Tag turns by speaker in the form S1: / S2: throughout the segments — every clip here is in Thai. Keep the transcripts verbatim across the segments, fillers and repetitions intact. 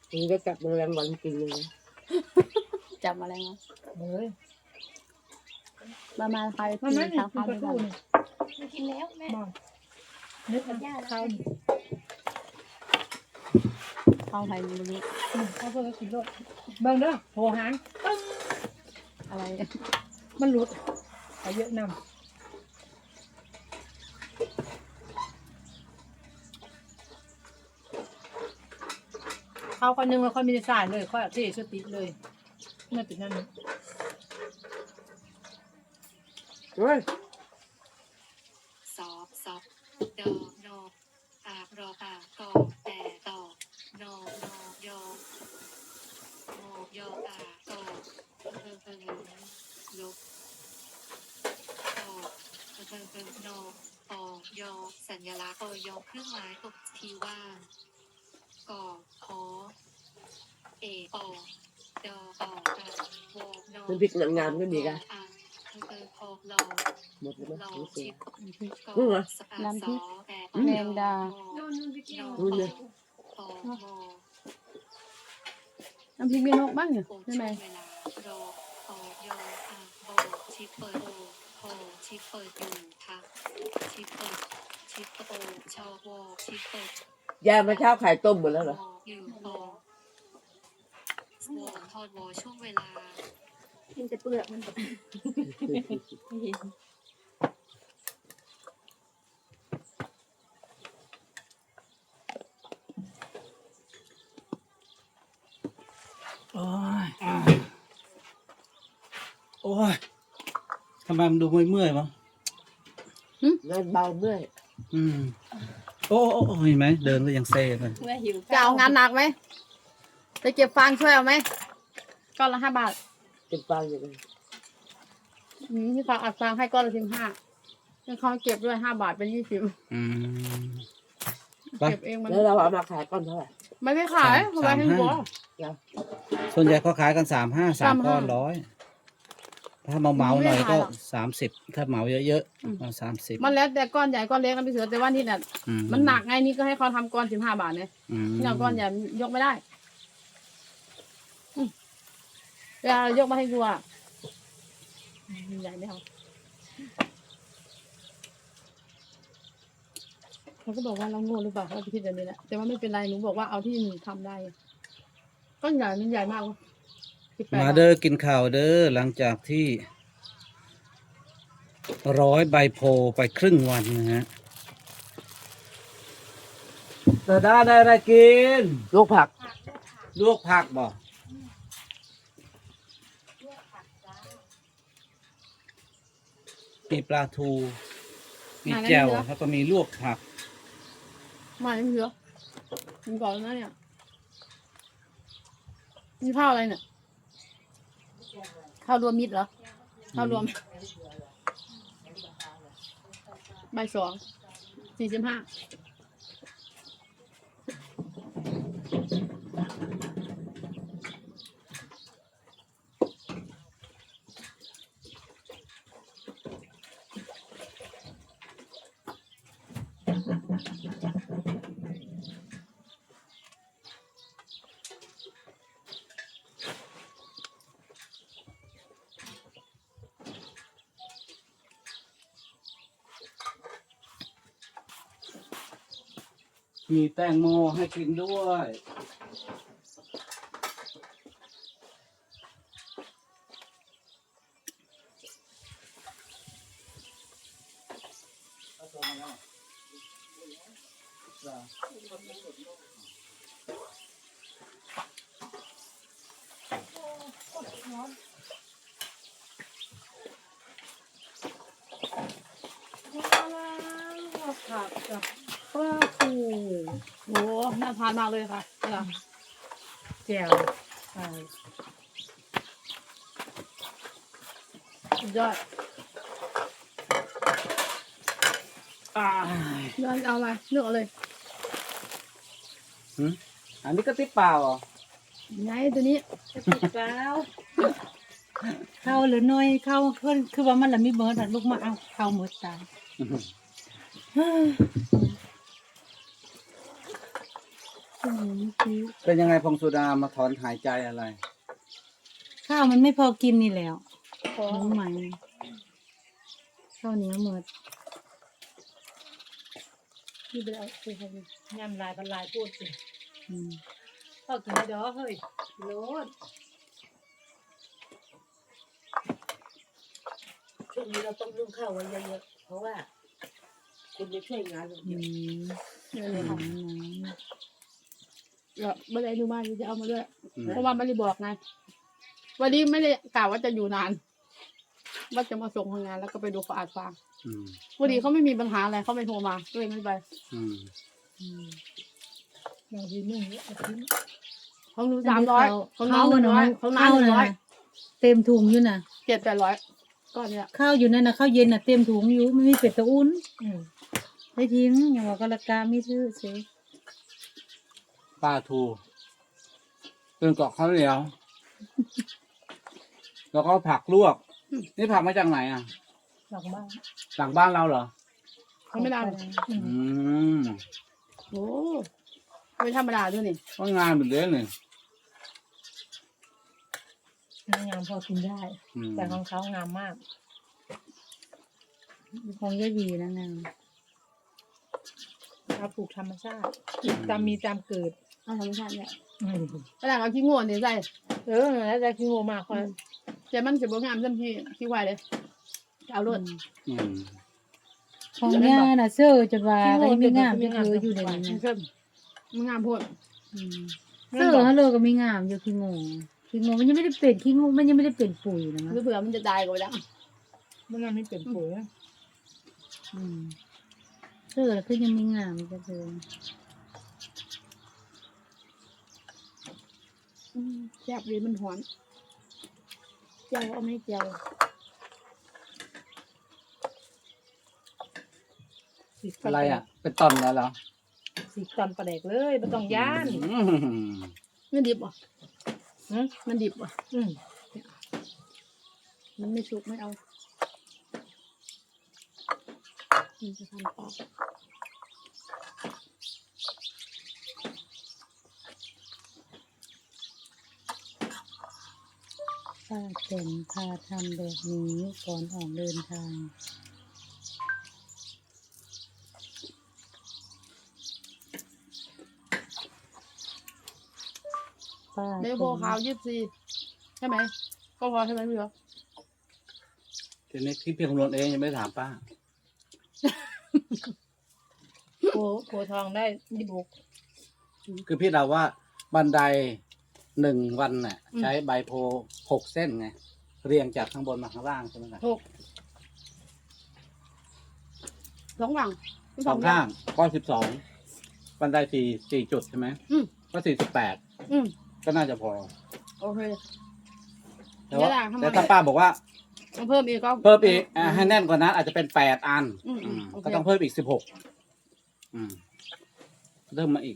S1: นี่ก็จับแมลงวันกินเลยนะ
S2: จับอะไรมา
S3: เฮ้ย
S2: มามาใคร
S3: มัน
S2: กิน
S3: ไม่
S2: ข้าว
S3: กิน
S2: ข้าว
S3: ปลา
S2: ด้วย
S3: ทู
S2: กัน
S3: นี่
S4: ไม่กินแล้วแม่
S3: บอกนึกว่าข้าวนี่
S2: ข้าวไทยมันนี้
S3: ข้าวเพื่อกินรสเบิ่งเด้อโหหางปึ้ง
S2: อะไร
S3: มันหลุดไปเยอะนำข้าวคนนึงแล้วค่อยมีสายเลยค่อยเทสติเลยไม่เป็นนั่น
S1: เฮ้ย
S4: สอบสอบดอโนปากรอปากกอแต่ต่อโนโนโยโมโยปากกอเพิ่มเพิ่มลบต่อเพิ่มเพิ่มโนปอยสัญลักษณ์ปอยเครื่องหมายตกทีว่างกอขอเอปอดอปอตโวโน
S1: มันพริกหนังงามก็ดีกัน
S4: เพิ่มพอลอ
S1: หมดแล้ว
S4: ลอ
S1: มั้ย
S4: ชิป
S1: นี่เหรอ
S2: น้ำพริก
S4: แม
S2: แม
S4: ง
S2: ง
S4: ดา
S2: ดา
S1: นู่นเลย
S2: น้ำพริกมีนกบ้างเนี่ยใช่ไหม
S4: เวลารอโอยอาโบชิปเปิดโอโอชิปเปิดอยู่ทักชิปเปิดชิปโอชอโวชิปเปิด
S1: ยายมาเช้าไข่ต้มหมดแล้วเหรอ
S4: โออยู่โอโวทอดโวช่วงเวลา
S2: กินแต่เปลือกมัน
S5: โอ้ยโอ้ยทำไมมันดูเมื่อยๆวะ
S1: งานเบาเมื่อย
S5: อืมโอ้โอ้โอ้เห็นไหมเดินก็ยังเซ่เลย
S4: เมื่อหิว
S2: จะเอางานหนักไหมไปเก็บฟางช่วยเอาไหมก้อนละห้าบาท
S1: เป็นฟางอย่างไร
S2: อืมที่เขาอัดฟางให้ก้อนละสิบห้าแล้วเขาเก็บด้วยห้าบาทเป็นยี่สิบ
S5: อืมไป
S2: เก็บเองมัน
S1: แล้วเราเอามาขายก้อนเท่าไหร่
S2: ไม่ได้ขายเขาไว้ให้หัว
S5: ส่วนใหญ่ก็ขายกันสามห้าสามก้อน
S2: สามห้า
S5: ร้อยถ้าเมาเมาๆหน่อย
S2: ไม่ได้
S5: ก็
S2: ขายหรอก
S5: สามสิบถ้าเหมาเยอะ
S2: อืม
S5: ๆเอาสามสิบ
S2: มันแล้วแต่ก้อนใหญ่ก้อนเล็กกันไปเสือแต่ว่านี่น่ะ
S5: อื
S2: มันหนักไงนี่ก็ให้เขาทำก้อนสิบห้าบาทเนี่ย
S5: อืม
S2: นี่เอาก้อนใหญ่ยกไม่ได้อืมเวลายกมาให้ดูอ่ะใหญ่ไม่เอาเขาก็บอกว่าเราโง่หรือเปล่าเขาไปคิดแบบนี้แหละแต่ว่าไม่เป็นไรหนูบอกว่าเอาที่หนูทำได้ก้อนใหญ่มันใหญ่มากสิบแปด
S5: มา
S2: บาท
S5: เด้อกินข้าวเด้อหลังจากที่ร้อยใบโพไปครึ่งวันนะฮะตาด้าได้อะไรกิน
S1: ลูกผัก
S5: ลวกผักบ่มีปลาทู มีแจ่วแล้วก็มีลวกผัก
S2: มาไม่เยอะมันก่อนแล้วนะเนี่ยนี่ข้าวอะไรเนี่ยข้าวรวมมิตรเหรอข้าวรวมใบสองสี่สิบห้า
S5: มีแตงโมให้กินด้วย
S3: ผักกับ
S2: ปลาทูโอ้น่าทานมากเลยค่ะเนี่ย
S3: แจ่วใส่
S2: สุดยอด
S5: อ่าย
S2: อดเอาอะไรเลือกเอาเลย
S5: หึอันนี้ก็ติดเปล่าเหรอ
S2: ไงตัวนี้
S3: ติดแล้วเข้าหรือน้อยเข้าเพิ่นคือว่ามันละมีเบิร์ดอะลูกมาเอาเข้าหมดตายอืมคือ
S5: เป็นยังไงพงสุดามาถอนหายใจอะไร
S3: ข้าวมันไม่พอกินนี่แล้ว
S2: ขอ
S3: น้องใหม่ข้าวเหนียวหมด
S2: ที่ไปเอาไปให้ดู
S3: ยำลายพันลายพูดสิอืมข้าวกินไม่ดอเฮ้ยโลด
S1: ช่วงนี้เราต้องรุ่งข้าวไว้เยอะๆเพราะว่าคุณจะช่วยงานเรา
S3: อื
S1: เยอะ
S3: ม
S2: เดี๋ยวเลยค่ะ
S3: น้
S2: เดี๋ยวไม่ได้ดูมาจะเอามาด้วย
S5: อืม
S2: เพราะว่าไม่ได้บอกไงวันนี้ไม่ได้กล่าวว่าจะอยู่นาน ว่าจะมาส่งทำงานแล้วก็ไปดูเขาอาดฟาง
S5: อืม
S2: พอดีเขาไม่มีปัญหาอะไรเขาไม่โทรมาก็เลยไม่ไป
S5: อืม
S3: ำอืม
S2: อย่างที่นึ่งอาทิตย์ของหนูสามร้อยของน้องห
S3: ข้าว
S2: นึ่งร้อยของน้าหนึ่งร้อย
S3: ข้าวะเต็มถุงอยู่น่ะ
S2: เจ็ดแปดร้อยก้อนเนี้ย
S3: ข้าวอยู่นั่นน่ะข้าวเย็นน่ะเต็มถุงอยู่ไม่มีเป็ดตะอุ่นได้ทิ้งอย่างว่าก็ราคาไม่ซื้อเสีย
S5: ป้าทูเป็นเกาะข้าวเหนียว แล้วก็ผักลวก นี่ผักมาจากไหนอ่ะ
S3: หลังบ้าน
S5: หลังบ้านเราเหรอ
S2: เขาไม่ได้
S3: อืม
S5: อืม
S2: โอ้ไม่ธรรมดาด้วยนี่
S5: ก็งานเหมือนเดิมเลย
S3: งามพอกินได้
S5: อืม
S3: แต่ของเขางามมากของยายบีนะงามเราปลูกธรรมชาติตามมีตามเกิด
S2: เอาธรรมชาติเนี่ย
S3: อืม
S2: กระดาษเอาขี้งูนี่ใส่
S3: เออแล้วจะคิดโง่มากคน
S2: แต่มันจะบ่งามเต็มที่ขี้ควายเลยจะเอารถ
S5: อืม
S3: ของย่าน่ะเสื้อจะว่าก็ยังไม่งามจะคืออยู่ใน
S2: มัน
S3: นี้
S2: เข้มมันงามโพูด
S3: อืมเสื้อฮัลโหลก็ไม่งามอยู่ขี้โง่ขี้โง่มันยังไม่ได้เป็นขี้โง่มันยังไม่ได้เป็นปุ๋ยนะ
S2: หรือ
S3: มั้ง
S2: เผื่อมันจะตายก็ไปแล้ว
S3: มันยังไม่เป็นปุ๋ยอืมเสื้อแล้วก็ยังไม่งามจะเลย
S2: อืมแซ่บดีมันหอนเจียวเอาไม่เจียว
S5: อะไรอ่ะ เป็นตอนแล้วเหรอ
S3: สีตอนประเด็กเลยไม่ต้องย่าน
S5: อืม
S2: มันดิบอ่ะ
S3: อืม
S2: มันดิบอ่ะ
S3: อืม
S2: มันไม่สุกไม่เอามันจะทำต่อ
S3: ป้าเต็นพาทำแบบนี้ก่อนออกเดินทางป้า
S2: เดโบขาวยี่สิบสี่ใช่ไหมก็พอใช่ไหมพี่เหรอ
S5: ทีนี้ที่เพียงรวนเองยังไม่ได้ถามป้า
S3: โผโผทองได้ยี่บุก
S5: คือพี่เดาว่าบันไดหนึ่งวันน่ะ ใช้ใบโพหกเส้นไง เรียงจากข้างบนมาข้างล่างใช่ไหมครับ
S2: ถูกสองฝั่ง
S5: สองข้างก็สิบสองบันไดสี่สี่จุดใช่ไหม
S2: อืม
S5: ก็สี่สิบแปด
S2: อืม
S5: ก็น่าจะพอ
S2: โอเค
S5: แต่ว่า
S2: เดี๋ยวล่ะทำไม
S5: แต่ถ้าป้าบอกว่า
S2: ต้องเพิ่มอีกก็
S5: เพิ่มอีกอ่ะให้แน่นกว่านั้นอาจจะเป็นแปดอัน
S2: อืม
S5: อืม
S2: โอเค
S5: ก็ต้องเพิ่มอีกสิบหกอืมเริ่มมาอีก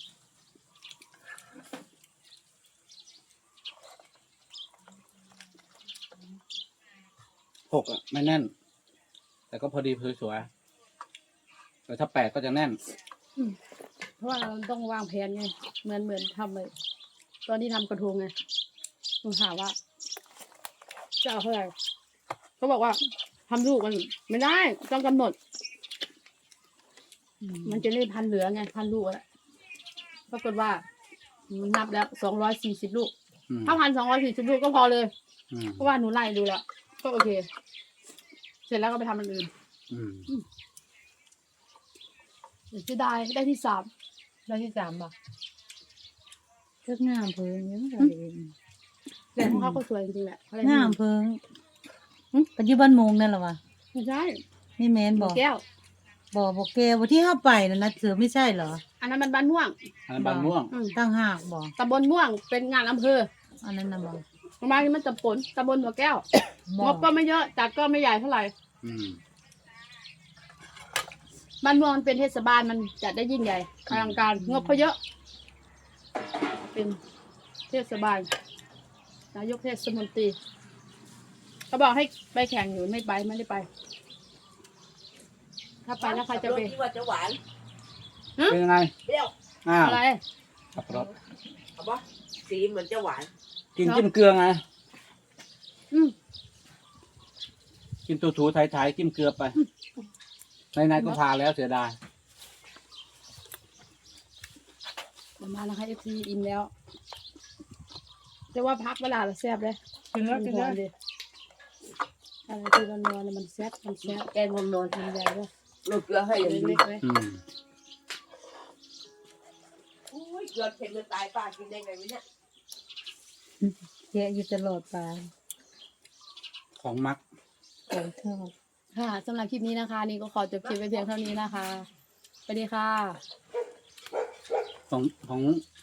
S5: หกอ่ะ ไม่แน่น แต่ก็พอดีสวยๆแต่ถ้าแปดก็จะแน่น
S2: เพราะว่าเราต้องวางแผนไงเหมือนเหมือนทำเลยตอนที่ทำกระทงไงหนูถามว่าจะเอาเท่าไหร่เขาบอกว่าทำลูกมันไม่ได้ต้องกำหนด มันจะได้พันเหลือไงพันลูกอะปรากฏว่ามันนับแล้วสองร้อยสี่สิบลูก
S5: อืม
S2: ถ้าพันสองร้อยสี่สิบลูกก็พอเลย
S5: อืม
S2: เพราะว่าหนูไล่ดูแล้วก็โอเค เสร็จแล้วก็ไปทำอันอื่น
S5: อืม
S2: จะได้ได้ที่สาม
S3: ได้ที่สามป่ะเลือกงามเพิงยังไง
S2: แต่ของเขาก็สวยจริงๆแหละอะไร
S3: งามเพิงปัจจุบันมงนั่นเหรอวะ
S2: ไม่ใช่
S3: นี่แมนบอก
S2: แก้ว
S3: บอกบอกแกว่าที่ห้าไปนั่นนะเสือไม่ใช่เหรอ
S2: อันนั้นมันบ้านม่วง
S5: อันนั้นบางม่วง
S2: อืม
S3: ตั้งหากบอก
S2: ตำบลม่วงเป็นงานอำเภอ
S3: อันนั้นนะบอก
S2: ประมาณนี้มันตำบลตำบลหัวแก้ว
S3: บ
S2: ง
S3: อก
S2: บก็ไม่เยอะจัดก็ไม่ใหญ่เท่าไหร่
S5: อืม
S2: บ้านม่วงมันเป็นเทศบาลมันจัดได้ยิ่งใหญ่อลังการงบเขาเยอะ เป็นเทศบาลนายกเทศมนตรีเขาบอกให้ไปแข่งอยู่ไม่ไปไม่ได้ไป ถ้าไปแล้วใครจะไป
S1: ที่ว่าจะหวาน
S5: เป็นยังไง
S1: เปรี้ยว
S5: อ้าว
S2: อะไร
S5: สับปะรด
S1: เอาปะสีเหมือนจะหวาน
S5: กินจิ้มเกลือไง
S2: อืม
S5: กินตูถูๆไทยๆจิ้มเกลือไปในๆก็พาแล้วเสียดาย
S2: เดี๋ยวมานะคะเอฟซีอิ่มแล้วแต่ว่าพักเวลาเราแซ่บเลย
S3: กินแล้วกินแล้ว
S2: มัหอมดิอะไรที่ร้อนๆเนี่ยมันแซ่บมันแซ่บ
S1: แกงนมนอน
S2: ทำใหญ่ด้วย
S1: โรยเกลือให้อย่าง
S2: เล็
S1: นี้
S2: กๆเลย
S5: อืม
S1: อุ้ยเกลือเค็มจะตายป้ากินได้ไงวะเนี่ย
S3: แยะอยู่ตลอดปลา
S5: ของมัก
S3: ของชอบ
S2: ค่ะสำหรับคลิปนี้นะคะ นี่ก็ขอจบคลิปไปเพียงเท่านี้นะคะสวัสดีค่ะ
S5: ของของ